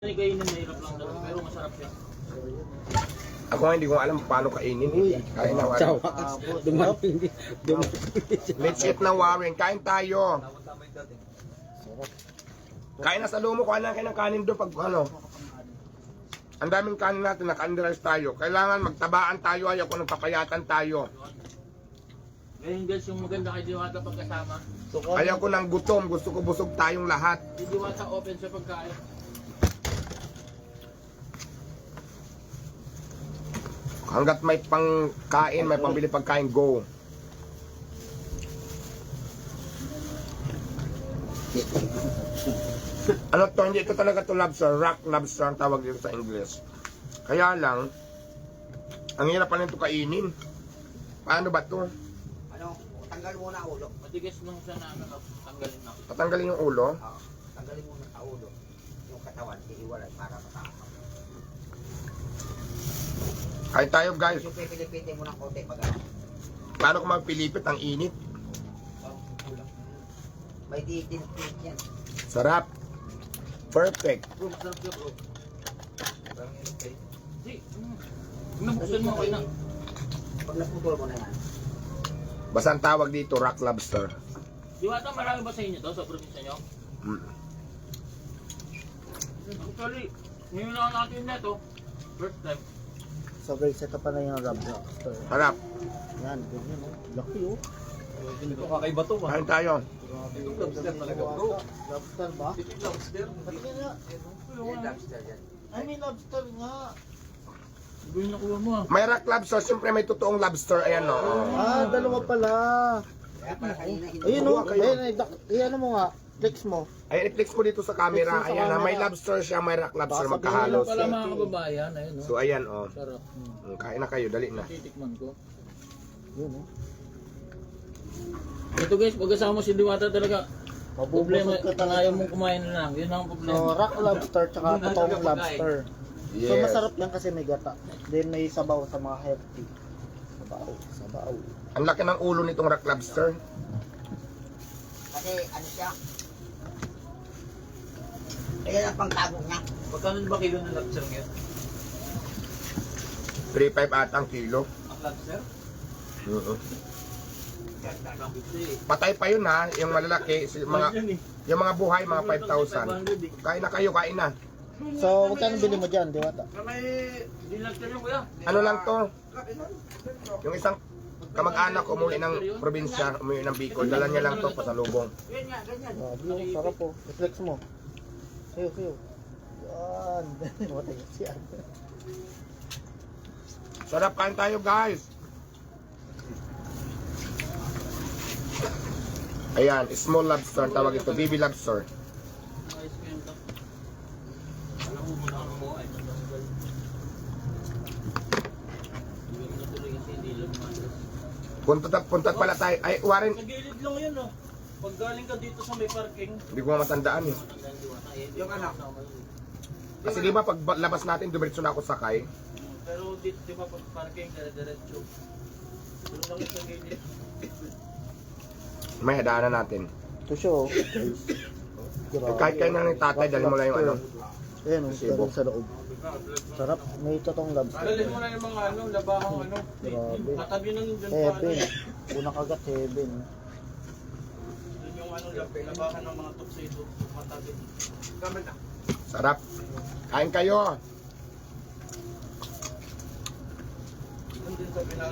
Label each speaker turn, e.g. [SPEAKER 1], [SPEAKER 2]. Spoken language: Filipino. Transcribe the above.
[SPEAKER 1] Kainin mahirap lang talaga, pero masarap siya.
[SPEAKER 2] Ako nga hindi ko alam paano kainin. Kain na Warren. Let's eat na Warren. Kain tayo. Kain na sa lumo. Kuha na kayo ng kanin doon pag ano. Ang daming kanin natin. Naka-underize tayo. Kailangan magtabaan tayo. Ayaw ko nagpapayatan tayo.
[SPEAKER 1] Ngayon guys, yung maganda kay Diwata pagkasama.
[SPEAKER 2] Ayaw ko ng gutom. Gusto ko busog tayong lahat.
[SPEAKER 1] Si Diwata open sa pagkain.
[SPEAKER 2] Hanggat may pangkain, may pambili pagkain, go. Ano to, hindi ito talaga to lobster, rock lobster ang tawag dito sa English. Kaya lang, ang hirap pa nito kainin. Paano ba to?
[SPEAKER 3] Ano, tanggal muna ang ulo.
[SPEAKER 1] Matigas lang siya na ano, tanggalin na.
[SPEAKER 2] Tatanggalin yung ulo?
[SPEAKER 3] Oo, tanggalin muna ang ulo. Yung katawan, iiwalay para matakaw.
[SPEAKER 2] Kain tayo guys.
[SPEAKER 3] Yung pipilipitin mo ng konti pag ano.
[SPEAKER 2] Paano kung magpilipit ang init?
[SPEAKER 3] May titin-tit yan.
[SPEAKER 2] Sarap. Perfect.
[SPEAKER 1] Bro, masarap siya bro. Di, nabuksan mo kayo na.
[SPEAKER 3] Pag naputol mo na yan.
[SPEAKER 2] Basta ang tawag dito, rock lobster.
[SPEAKER 1] Diwata, marami ba sa inyo to, sa probinsya nyo? Actually, ngayon lang natin na ito. First time.
[SPEAKER 4] So guys, ito pa na yung lobster.
[SPEAKER 2] Sarap.
[SPEAKER 4] Yan, ganyan oh. Laki oh.
[SPEAKER 1] Ito kakaiba to
[SPEAKER 2] Kain tayo.
[SPEAKER 1] Itong lobster talaga bro.
[SPEAKER 4] Lobster ba?
[SPEAKER 1] Ito yung lobster.
[SPEAKER 4] Patingin nga.
[SPEAKER 3] Yung lobster yan.
[SPEAKER 4] Ay, may lobster nga.
[SPEAKER 1] Iba yung nakuha mo ah.
[SPEAKER 2] May rock lobster, siyempre may totoong lobster. Ayan o.
[SPEAKER 4] Ah, dalawa pala.
[SPEAKER 3] Kaya para kanina hindi.
[SPEAKER 4] Ayun oh.
[SPEAKER 2] Kayo.
[SPEAKER 4] Ayun, ano mo nga. Flex mo.
[SPEAKER 2] Ayan, i-flex mo dito sa camera.
[SPEAKER 4] Flex mo sa
[SPEAKER 2] Ayan na, may
[SPEAKER 4] camera.
[SPEAKER 2] lobster siya, may rock lobster
[SPEAKER 4] Baka
[SPEAKER 2] magkahalos.
[SPEAKER 1] Pala mga kababayan, ayun oh.
[SPEAKER 2] So ayan o.
[SPEAKER 1] Sarap.
[SPEAKER 2] Kain na kayo, dali na.
[SPEAKER 1] Titikman ko.
[SPEAKER 4] Yun oh.
[SPEAKER 1] Ito guys, pagkasama mo si Diwata talaga. Problema,
[SPEAKER 4] Mabubusog ka
[SPEAKER 1] kung
[SPEAKER 4] talaga.
[SPEAKER 1] ayaw mong kumain na lang. Yun ang
[SPEAKER 4] So,
[SPEAKER 1] problema.
[SPEAKER 4] rock lobster tsaka
[SPEAKER 1] Yun ang
[SPEAKER 4] totoong
[SPEAKER 1] talaga
[SPEAKER 4] lobster.
[SPEAKER 2] Yes.
[SPEAKER 4] So, masarap yan kasi may gata. Then, may sabaw sa mga healthy. Sabaw.
[SPEAKER 2] Ang laki ng ulo nitong rock lobster.
[SPEAKER 3] Kasi ano siya. Ayan ang pangtago niya.
[SPEAKER 1] Magkano ba kilo ng lobster ngayon?
[SPEAKER 2] 3.5 ata ang kilo.
[SPEAKER 1] Ang lobster?
[SPEAKER 2] Oo.
[SPEAKER 1] Ganda lang ito eh.
[SPEAKER 2] Patay pa yun ha, yung malalaki, yung mga buhay, mga 5,000. Kain na kayo, kain na.
[SPEAKER 4] So, magkano bili mo dyan, Diwata?
[SPEAKER 1] May lobster yung kuya.
[SPEAKER 2] Ano lang to? Yung isang kamag-anak umuwi ng probinsya, umuwi ng Bicol, dala niya lang to pasalubong.
[SPEAKER 1] Ganyan, ganyan.
[SPEAKER 4] Grabe oh, sarap oh. I-flex mo. Sayo. Yan. Matay siya.
[SPEAKER 2] Sarap, kain tayo guys. Ayan, small lobster, ang tawag ito, baby lobster.
[SPEAKER 1] Ice cream to. Alam mo muna ang mo ay matanggal. Hindi mo natuloy kasi hindi lang matas.
[SPEAKER 2] Punta pala tayo. Ay, Warren,
[SPEAKER 1] Sa gilid lang yan oh. Pag galing ka dito sa may parking.
[SPEAKER 2] hindi ko matandaan eh.
[SPEAKER 3] Yung anak.
[SPEAKER 2] Kasi di ba pag labas natin, dumiretso na ako sakay.
[SPEAKER 1] Pero dito di ba pag parking dire-diretso. Doon lang sa gilid.
[SPEAKER 2] May hadaanan natin.
[SPEAKER 4] Ito siya oh. Grabe.
[SPEAKER 2] Kahit kayo na ng tatay, dali mo lang yung ano.
[SPEAKER 4] Ayan oh,
[SPEAKER 2] Sibo.
[SPEAKER 4] galing sa loob. Sarap. May totoong lobster.
[SPEAKER 1] Dalhin mo na yung mga ano, labahang ano.
[SPEAKER 4] Grabe.
[SPEAKER 1] Katabi ng dyan pa.
[SPEAKER 4] Heaven. Unang kagat, heaven.
[SPEAKER 1] Yun yung ano, labahan ng mga tuxedo. Katabi.
[SPEAKER 2] Sarap. Kain kayo.